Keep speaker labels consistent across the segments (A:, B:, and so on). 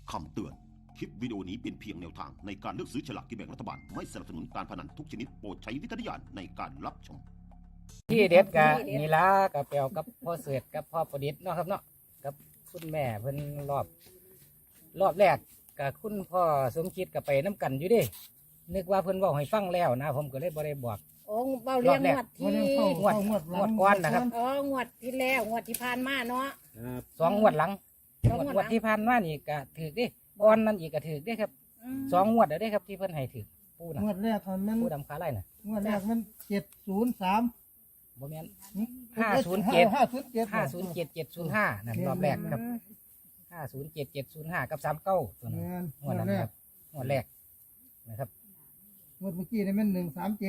A: คำเตือน คลิปวิดีโอนี้เป็นเพียงแนวทางในการเลือกซื้อฉลากกินแบ่งรัฐบาล ไม่สนับสนุนการพนันทุกชนิดโปรดใช้วิจารณญาณในการรับชม
B: ที่เด็ดกะนี่ละกับเปียวกับพ่อเสือกับพ่อประดิษฐ์เนาะครับเนาะกับคุณแม่เพิ่นรอบแรกกับคุณพ่อสมคิดกับไปน้ำกันอยู่เดินึกว่าเพิ่นบอกให้ฟังแล้วนะผมก็เลยบ่ได้บอก
C: โอ้เบาเลี้ยงงวดที่
B: งวดก้อนนะครับ
C: อ๋องวดที่แล้วงวดที่ผ่านมาเนาะ
B: สองงวดหลัง
C: สองงวดหลัง
B: งวดที่ผ่านมานี่ก็ถือดิก้อนนั้นอีกก็ถือดิครับสองงวดได้ครับที่เพิ่นให้ถือปูนะ
D: งวดแรกมัน
B: ปูดำขาไล่น่ะ
D: งวดแรกมัน703
B: บ่แม่น 507
D: 507
B: 507 705นั่นรอบแรกครับ507 705กับ39ตัวนั้น
D: งาน
B: งวดนั้นครับงวดแรกนะครับ
D: งวดเมื่อกี้นี่มัน137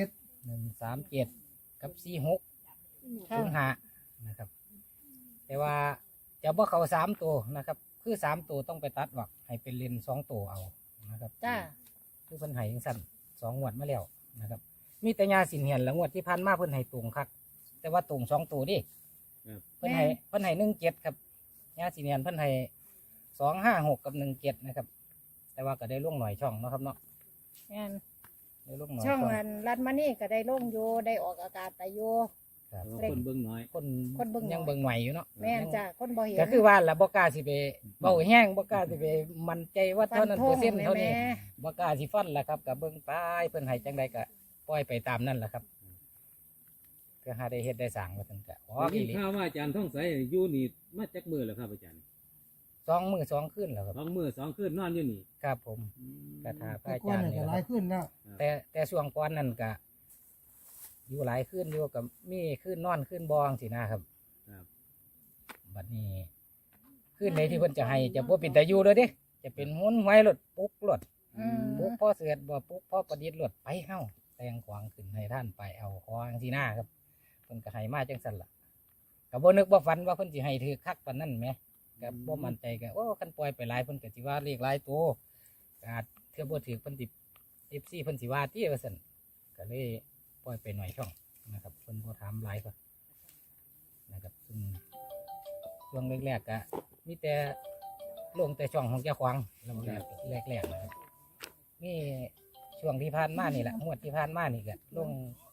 B: 137กับ46
C: ค่ะ
B: 05นะครับ แต่ว่าจะบ่เข้า3ตัวนะครับ คือ3ตัวต้องไปตัดออกให้เป็นเลน2ตัวเอานะครับ
C: จ้า
B: คือเพิ่นให้จังซั่น2งวดมาแล้วนะครับ มีแต่ยาสินเหียนละงวดที่ผ่านมาเพิ่นให้ตรงคักแต่ว่าตรง2ตัวดิเพิ่นให้17ครับยาสินเหียนเพิ่นให้256กับ17นะครับ แต่ว่าก็ได้ลงหน่อยช่องเนาะครับเนาะ
C: งาน
B: ได้ลงหน่อย
C: ช่องอันรัดมานี่ก็ได้ลงโยได้ออกอากาศไปโย
B: ครับ
E: คนเบิ่งน้อย
B: คนยังเบิ่งใหม่อยู่เนาะ
C: แม่นจ้าคนบ่เห็น
B: ก็คือว่าละบ่กล้าสิไปเบาแห้งบ่กล้าสิไปมั่นใจว่าเท่านั้นเปอร์เซ็นต์เท่านี้
C: แม่
B: บ่กล้าสิฟันล่ะครับก็เบิ่งไปเพิ่นให้จังใดก็ปล่อยไปตามนั้นล่ะครับก็หาได้เฮ็ดได้สร้างว่าซั่นก็อ๋อ
E: ได้
B: อี
E: ยิน
B: หลี
E: ข่าวว่าอาจารย์ท่องใสอยู่นี่มาจักมือแล้วครับอาจารย์
B: 2 มื้อ2คืนแล้วครับ
E: 2 มื้อ2คืนนอนอยู่นี่
B: ครับผมก็ถ้าพระ
D: แต่
B: อา
D: ก่อน
B: จารย์
D: นี่
B: นี่
D: ก็
B: แห
D: ห
B: ละ
D: ลา
B: ค
D: ย
B: รับ
D: ขึ้นแล้ว
B: แต่ช่วงก่อนนั้นก็อยู่หลายคืนอยู่กับมีคืนนอนคืนบองสินะครับ
E: ครับ
B: บัดนี้คืนใดที่เพิ่นจะให้จะบ่เป็นตาอยู่เลยเด้จะเป็นหวนหวยรถปลุกรถ
C: อืม
B: ปุ๊กพ่อเสือบ่ปุ๊กพ่อประดิษฐ์หลดไปเฮ้าแต่งขวางขึ้นให้ท่านไปเอาของที่หน้าครับเพิ่นก็ให้มาจังซั่นล่ะก็บ่นึกบ่ฝันว่าเพิ่นสิให้ถือคักปานนั้นแหมก็บ่มั่นใจก็โอ้คันปล่อยไปหลายเพิ่นก็สิว่าเลขหลายตัวก็อาจเทื่อบ่ถือเพิ่นสิ FC เพิ่นสิว่าติว่าซั่นก็เลยปล่อยไปหน่อยช่องนะครับเพิ่นบ่ถามหลายก็นะครับซึ่งช่วงแรกๆก็มีแต่ลงแต่ช่องของเจ้าของแล้วแรกๆนะครับ นี่ช่วงที่ผ่านมานี่แหละงวดที่ผ่านมานี่ก็ลง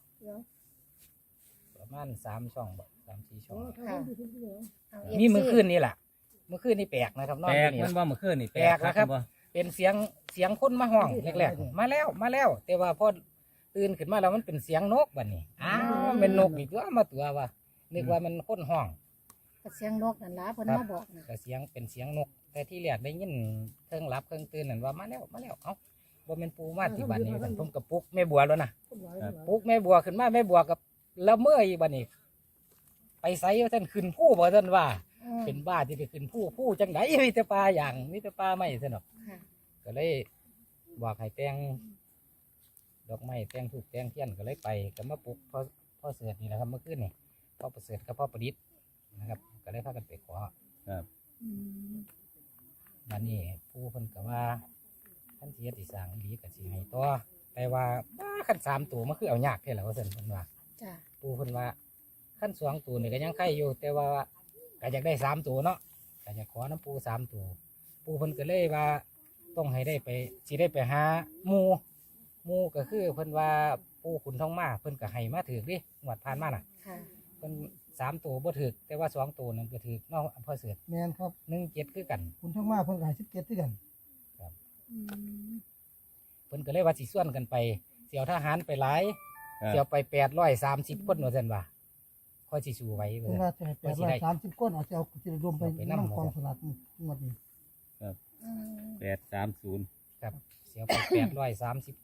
B: ประมาณ3 ช่องบ่3-4 ช่อง
C: ค่ะเอา
B: มีมื้อคืนนี่แหละมื้อคืนนี่แปลกนะครับนอน
E: แปล
B: อก ยู่นี่
E: มันว่าเมื่อคืนนี่
B: แปลกนะครับ เป็นเสียงคนมาห้องแรกๆมาแล้ว แต่ว่าพอตื่นขึ้นมาแล้วมันเป็นเสียงนกบัดนี้อ้าวเป็นนกอีกตัวมาตัวว่านึกว่ามันคนห้อง
C: ก็เสียงนกนั่นล่ะเพิ่นมาบอกนะ
B: ก็เสียงเป็นเสียงนก แต่ที่แรกได้ยินเครื่องรับเครื่องตื่นนั่นว่ามาแล้วเอ้าบ่แม่นปูมาที่บ้านนี้ซั่นผมก็ปลุกแม่บัวแล้วนะ ปลุกแม่บัวขึ้นมาแม่บัวกับละเมออีกบัดนี้ ไปไสว่าท่านขึ้นผู้บ่ท่านว่า
C: อืม
B: เป็นบ้าที่ไปขึ้นผู้จังไดมีแต่ปลาอย่างมีแต่ปลาไม่สนอก
C: ค่ะ
B: ก็เลยบอกให้แต่งดอกไม้แต่งถูกแต่งเทียนก็เลยไปก็มาปลุกพ่อเสือนี่แหละครับเมื่อคืนนี่พ่อประเสริฐกับพ่อประดิษฐ์นะครับ ก็เลยพากันไปขอ
C: อืม
B: บัดนี้ผู้เพิ่นก็ว่าท่านสิเฮ็ดสิสร้างอีหลีก็สิให้ต่อแต่ว่าขั้น3 ตัวมันคือเอายากแท้แล้วว่าซั่นเพิ่นว่า
C: จ้า
B: ปูเพิ่นว่าขั้น2 ตัวนี่ก็ยังไข่อยู่ แต่ว่าก็อยากได้3 ตัวเนาะก็อยากขอน้ำปู3 ตัวปูเพิ่นก็เลยว่าต้องให้ได้ไปสิได้ไปหาหมู่ก็คือเพิ่นว่าปูขุนทองมาเพิ่นก็ให้มาถือดิงวดผ่านมาน่ะ
C: ค่ะ
B: เพิ่น3 ตัวบ่ถือแต่ว่า2 ตัวนั่นก็ถือเนาะอำเภอเสือ
D: แม่นครับ
B: 17คือกัน
D: คุณทั้งมาเพิ่นก็ให้17คือกัน
C: อืม
B: เพิ่นก็เลยว่าสิส่วนกันไปเสี่ยวทหารไปหลายเสี่ยวไป830คนว่าซั่นว่าค่อยสิสู้ไหว
D: เพิ่
B: ว่าน ซั่
D: ว่าน จะให้830คนเอาจะเอาสิรวมไป
B: ไปนำ
D: นำกองสลากงวดนี้
C: อืม
E: 830
B: ครับเสี่ยวไป830 คน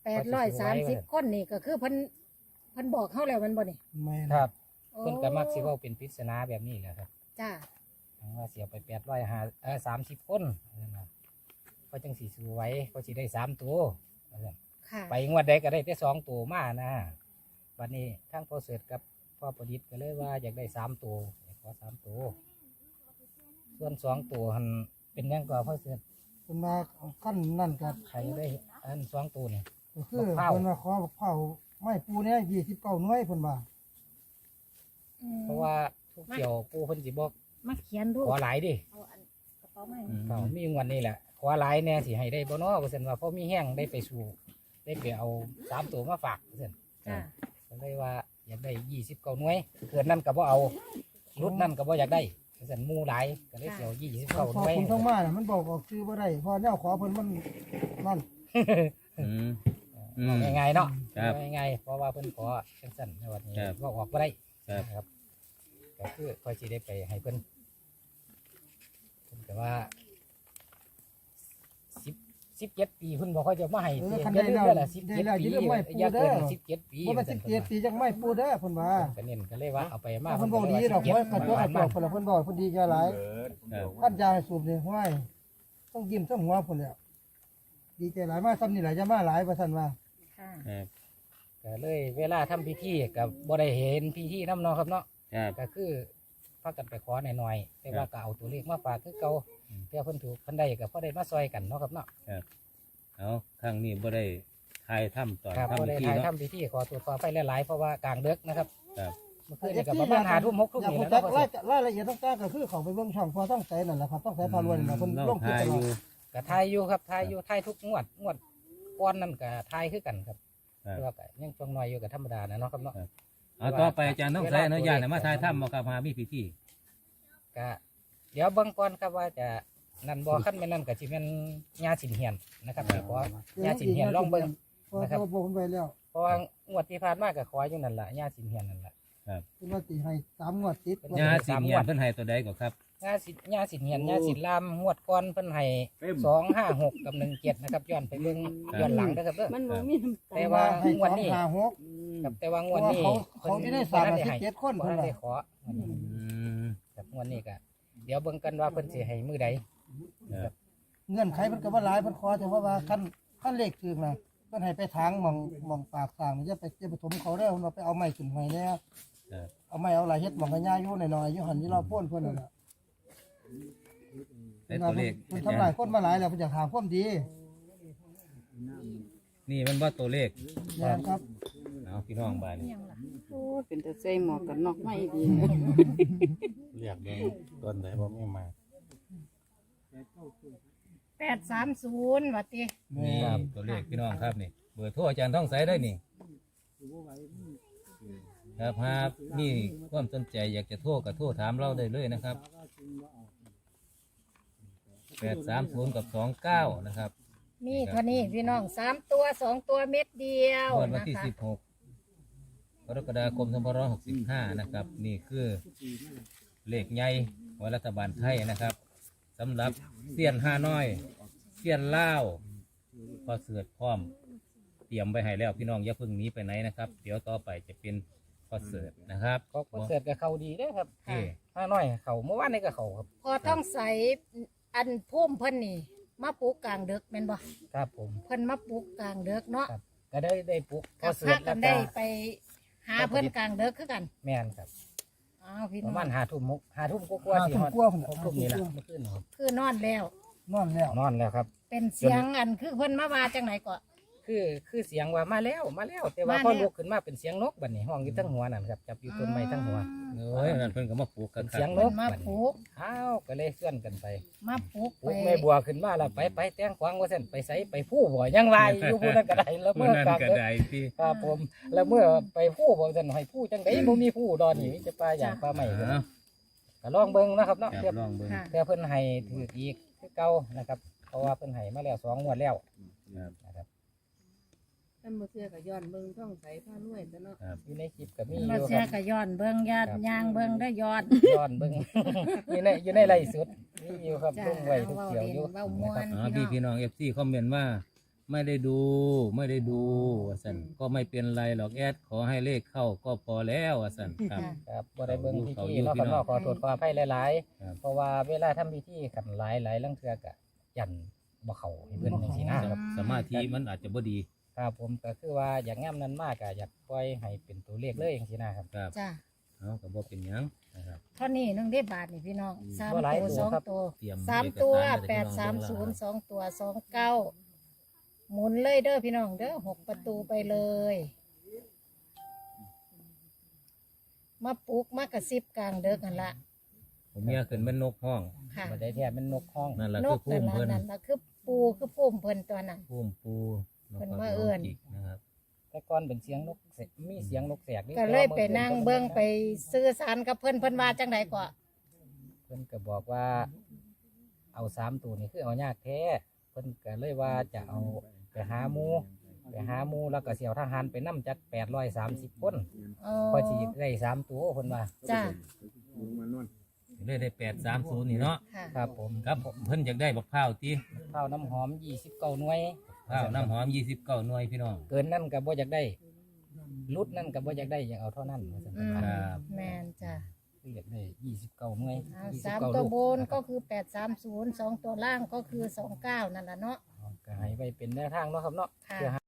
C: 830คนนี่ก็คือเพิ่นบอกเฮาแล้วมันบ่นี่
D: แม่น
B: ครับ
C: โอ้
B: เพิ่นก็มักสิเว้าเป็นปริศนาแบบนี้แหละครับ
C: จ้า
B: ว่าเสียไป30 คนนั่นน่ะก็จังสิสู้ไหว้ก็สิได้3 ตัวว่าซั่น
C: ค่ะ
B: ไปงวดใดก็ได้แต่2 ตัวมานะบัดนี้ทั้งพ่อเสริฐกับพ่อประดิษฐ์ก็เลยว่าอยากได้3 ตัวอยากขอ3 ตัวส่วน2 ตัวหันเป็นหยังก็พ่อเสริฐ
D: เพิ่นว่าขั้นนั่นก็
B: ใครได้อัน2 ตัวนี่
D: ก็คือ
B: บักพร้าว
D: เพิ่นว่าขอบักเผาไม้ปูเนี่ย29หน่วยเพิ่นว่า
C: อืม
B: เพราะว่าทุกเกี่ยวปู่เพิ่นสิบอก
C: มาเขียนดู
B: ขอหลายดิ
C: เอาอันกระเป๋ามา
B: เขามีงวดนี้แหละขอหลายแน่สิให้ได้บ่เนาะว่าซั่นว่าพอมีแห้งได้ไปสู่ได้ไปเอา3ตัวมาฝากว่าซั่น
C: จ้ะ
B: ก็เลยว่าอยากได้29หน่วยเกินนั้นก็บ่เอารุ่นนั้นก็บ่อยากได้ว่าซั่นหมู่หลายก็เลยสิเอา29
D: พอ
B: หน่วย
D: คุณต้องมาน่ะมันบอกออกชื่อบ่ได้พอแนวขอเพิ่นมันนั่น
E: อืม
B: เอาง่ายๆเนาะ
E: ครับ
B: เอาง่ายๆเพราะว่าเพิ่นขอจังซั่นในวันนี้
E: ครับ
B: ว่าออกบ่ได้
E: ครับ
B: นะครับก็คือพอสิได้ไปให้เพิ่นแต่ว่า17 ปีเพิ่นบอกเขาจะมาให้
D: คัน
B: อย่า
D: ได้
B: ลืม
D: แล้ว
B: เด้อล่ะ
D: ได้
B: 17
D: แล้ว
B: ปี
D: อย่าลืมไว้ปู
B: อย่า
D: เด้
B: เกิ
D: อน
B: 17 ปี
D: บ่ว่า17ปีจังไม่ปูเด้อเพิ่นว่า
B: ก็เน้นก็เลยว่าเอาไปมา
D: เพิ่นบอกดีดอกไว้กระตัวกระตัวเพิ่นละเพิ่นบอกเพิ่นดีแค่หลาย
E: ครับ
D: ท่านยาให้สูบนี่ห้วยต้องยิ้มต้องหัวพุ่นแล้วดีใจหลายมาซ้ำนี่หลายจะมาหลายว่าซั่นว่า
C: ค่ะ
E: ครับ
B: ก็เลยเวลาทำพิธีก็บ่ได้เห็นพิธีนำเนาะครับเนาะ
E: ครับ
B: ก็คือพากันไปขอหน่อยๆแต่ว่าก็เอาตัวเลขมาฝากคือเก่าเพื่อเพิ่นถูกเพิ่นได้ก็พอได้มาซอยกันเนาะครับเนาะ
E: เอาครั้งนี้บ่ได้ทายถ้ำตอน
B: ครับพอ
E: ทำ
B: ได้
E: พิธี
B: ถ่าย
E: เนาะ
B: ทำพิธีขอตรวจสอบไปหลายๆเพราะว่ากลางดึกนะครับ
E: ครับ
B: เมื่อคืนนี่ก็ประมาณ5 ทุ่ม6 ทุ่ม
D: อยาก
B: นี่
D: รู้
B: แหล้ว
D: จัก
B: เนาะ
D: รายละเอียดต่างๆก็คือเขาไปเบิ่งช่องพอต้องใส่นั่นแหละครับต้องใส่พารวยนั่นแหละเพิ่น
E: เรา
D: ลงคลิป
E: ทาย
D: ตล
E: อ
D: อด
E: ยู่
B: ก็ถ่ายอยู่ครับถ่ายอยู่ถ่ายทุกงวดก้อนนั่นก็ถ่ายคือกันครับ
E: ครับ
B: แต่ว่าก็ยังช่วงน้อยอยู่กับธรรมดานะเนาะครับเนาะ
E: เอาต่อไปอาจารย์ต้องใส่อนุญาตให้มาทายถ้ำบ่ครับหามีพิธี
B: ก็เดี๋ยวเบิ่งก่อนครับว่าจะนั่นบ่คันแม่นนั่นก็สิแม่นญาสินเฮียนนะครับสิขอญาสินเฮียนลองเบิ่ง
D: พอตัวผมไปแล้ว
B: เพราะว่างวดที่ผ่านมาก็ขออยู่นั่นล่ะญาสินเฮียนนั่นล่ะ
D: คือว่าสิให้3งวดติด
E: ญาสิงเงียนเพิ่นให้ตัวใดก็ครับ
B: ญาสินเฮียนญาสินลามงวดก่อนเพิ่นให้256กับ17นะครับย้อนไปเบิ่งย้อนหลังนะครับเด้อ
F: มันบ่มีน้ำตา
B: แต่ว่า
D: ให้
B: งวดนี้
D: 256
B: ครับแต่ว่างวดนี้
D: เขาที่ได้37คน
B: เพิ่
D: เพิ่
B: น
D: น
B: ได้
D: ว่า
B: ขอ
E: อืม
B: ครับงวดนี้ก็เดี๋ยวเบิ่งกันว่าเพิ่นสิให้มื้อใด
E: ครับ
D: เงื่อนไขเพิ่นก็บ่หลายเพิ่นขอแต่ว่าคันเลขถึงน่ะเพิ่นให้ไปทางหม่องปากทางนี่จะไปถมเขาได้เพิ่นว่าไปเอาไม้ขึ้นไว้แน่
E: ครับ
D: เอาไม้เอาหลายเฮ็ดหม่องกันย่าอยู่หน่อยๆอยู่หั่นที่เราพ่นเพิ่นนั่นน่ะ
E: ได้ตัวเลข
D: เพิ่นทำลายคนมาหลายแล้วเพิ่นอยากหาความดี
E: นี่มันว่าตัวเลข
D: แม่นครับ
E: เอาพี่น้องบ้านนี่
F: โอ้เป็นแต่ใส่หมวกกันน็อกไม่ดี
G: เรียกเบิ่งต้นไหนบ่มีมา
C: 830ว่าติ
E: นี่ตัวเลขพี่น้องครับนี่เบอร์โทรอาจารย์ท่องใสได้นี่ครับหากมีความสนใจอยากจะโทรก็โทรถามเราได้เลยนะครับ830กับ29นะครับ
C: มีเท่านี้พี่น้อง3ตัว2ตัวเม็ดเดียว
E: งวดวัน
C: นะ
E: ที่
C: คะ
E: 16กรกฎาคม2565นะครับนี่คือเลขใหญ่ของรัฐบาลไทยนะครับสำหรับเสี้ยนห้าน้อยเสี้ยนล่าวพอเสือดพร้อมเตรียมไว้ให้แล้วพี่น้องอย่าเพิ่งหนีไปไหนนะครับ เดี๋ยวต่อไปจะเป็นพอเสือดนะครับ
B: ก็เสร็จกับเขาดีเด้อครับ
E: โอเค
B: ห้าน้อยเขาเมื่อวานนี้ก็เขาครับ
C: พอต้องใส่อันพุ่มเพิ่นนี่มาปลูกกลางดึกแม่นบ่
B: ครับผม
C: เพิ่นมาปลูกกลางดึกเนาะ
B: ครับ ก็ได้ปลุกพ
C: กั
B: อบ เสร็
C: พา
B: จ
C: กั
B: แล้ว
C: น
B: ก็
C: ได้ไปหาเพิ่นกลางดึกคือกัน
B: แม่นครับ
C: อ้าวพี่
B: ป
C: น้อ
B: ระ
C: ง
B: มาณ5 ทุ่มกว่าๆสิฮอด
D: 5 ทุ่มกว่าพุ่น
B: 6 ทุ่มนี่แหละเมื่อคืนครับ
C: คือนอนแล้ว
D: นอนแล้ว
B: นอนแล้วครับ
C: เป็นเสียงอันคือเพิ่นมาว่าจังไหนก็
B: คือเสียงว่ามาแล้วแต่ว่า
C: มาแล้ว
B: พอลุกขึ้นมาเป็นเสียงนกบัดนี้ห้องอยู่ทั้งหัวนั่นครับจับอยู่ต้นไม้ทั้งหัว
E: เอ้ยนั่นเพิ่นก็มาปลูกกั
B: เป็น น
E: ครั
B: เสียง
E: บ
B: น
C: เพิ่
B: ก
C: นมา
B: บัด
C: ป
B: นี้
C: ลูก
B: อ้าวก็เลยเคลื่อนกันไป
C: มาปลูก
B: ปลุ
C: ไป
B: กแม่บัวขึ้นมาแล้วไปแต้งกวางว่าเส้นไปใส่ไปผู้บ่ยังวายอยู่ผู้นั้นก็ได้แล้ว
E: เมื่
B: เมื่
E: อ
B: อ
E: นั้น
B: กลาง
E: ก็
B: ดึก
E: ได้ที่
B: ครับผมแล้วเมื่อไปผู้บ่เส้นให้ผู้จังไดบ่มีผู้ดอนนี่มีแต่ปลาอย่างปลาใหม่
E: เอา
B: ก็ลองเบิ่งนะครับเนาะ
E: ครับ
B: เทียบ
E: ลองเบิ่ง
C: ค่ะ
B: แต่เพิ่นให้ถืออีกคือเก่านะครับ เพราะว่าเพิ่นให้มาแล้ว2 งวดแล้ว
E: ครับ
B: นะครับ
F: ท่านบ่เชื่อก็ย้อนเบิ่งท่องใสผ้ารวยซะเนาะ
B: อยู่ในคลิปก็มีอ
C: มา
B: ยู่
C: เสี
B: ค
C: ย
B: รับ
C: ก็ย้อนเบิ่งยาดยางเบิ่งได้ย้อน
B: ย้อนเบิ่ง อยู่ในไลฟ์สดมีอยู่ครับ
C: จ้า
B: ลงไว้ทุก
C: เว้า
B: เกี่ยว
C: เล่น
B: อยู่
C: เว้าม่ว
B: นะครับ
C: น
E: อ๋อ
C: พี่
E: พี่
C: น้อง
E: น้อง FC คอมเมนต์ว่าไม่ได้ดูว่าซั่นก็ไม่เป็นไรหรอกแอดขอให้เลขเข้าก็พอแล้วว่าซั่นครับ
B: ครับบ่ได้เบิ่งพิ
E: เขา
B: ธี
E: อยู่
B: เนาะ
E: พี่
B: ครับ
E: น้อง
B: เนาะขอโทษขออภัยหลาย
E: ครับ
B: ๆเพราะว่าเวลาทำพิธีกันหลายลังเทื่อก็ยันบ่เข้าให้เพิ่นจังซี่นะครับ
E: สมาธิมันอาจจะบ่ดี
B: ครับผมก็คือว่าอย่างงามนั้นมากก็อยากปล่อยให้เป็นตัวเลขเลยจังซี่นะครับ
E: ครับ
C: จ้า
E: เอาก็บ่เป็นหยังนะครับ
C: เท่านี้นึงได้บาทนี่พี่น้องสาม
B: บ่หลาย
C: ตัว
B: ตัว
C: สอง
B: ครับ
C: ตัว
E: เตรียม
C: สามตัว
E: เอกสาร
C: แปด
E: ให้
C: สาม
E: พี่
C: ศู
E: น้อน ง
C: ย์สองตัว29หมุนเลยเด้อพี่น้องเด้อ6 ประตูไปเลย มาปลุกมากระซิบกลางเด้อกันละ
E: ผมเมียขึ้นเป็นนกห้อง
C: ค่ะ
B: บ่ได้แท้เป็นนกห้อง
E: นั่นแหละ
C: น
E: คือก ภู
C: นั่น
E: มิ
C: ละ
E: เพิ่น
C: นั่นละคือปูคือพุ่มเพิ่นตัวนั้น
E: พุ่มปู
C: เพิ่นมาเอิ้น
E: จิกนะครับ
B: แต่ก่อนเป็นเสียงนกแสกมีเสียงนกแสกนี่
C: ก็เลยไปนั่งเบิ่งไปซื้อสารกับเพิ่นว่าจังไดก็
B: เพิ่นก็บอกว่า เอา3ตัวนี่คือเอายากแท้เพิ่นก็เลยว่าจะเอาไปหาหมูแล้วก็เสี่ยวทหารไปนํจัก830 คน
C: อ๋อ
B: พอสิได้3ตัวเพิ่นว่า
C: จ้า
E: เลยได้830นี่เนาะ
C: ค่ะ
B: ครับผม
E: ครับเพิ่นอยากได้บักพร้าวติ
B: ข้าวน้ำหอม29หน่วย
E: พร้าวน้ำหอม29หน่วยพี่น้อง
B: เกินนั่นก็บ่อยากได้รุดนั่นก็บ่อยากได้อยากเอาเท่านั้นว่าซั่น
C: อืม
E: ครับ
C: แม่นจ้า
B: คืออยากได้29หน่วย
C: เอา
B: 29
C: 3ตัว
B: ลูก
C: บนก็คือ830 2ตัวล่างก็คือ29นั่นล่ะเนาะ
B: ก็ให้ไว้เป็นแนวทางเนาะครับเนาะ
C: ค่ะ
B: เพื่อ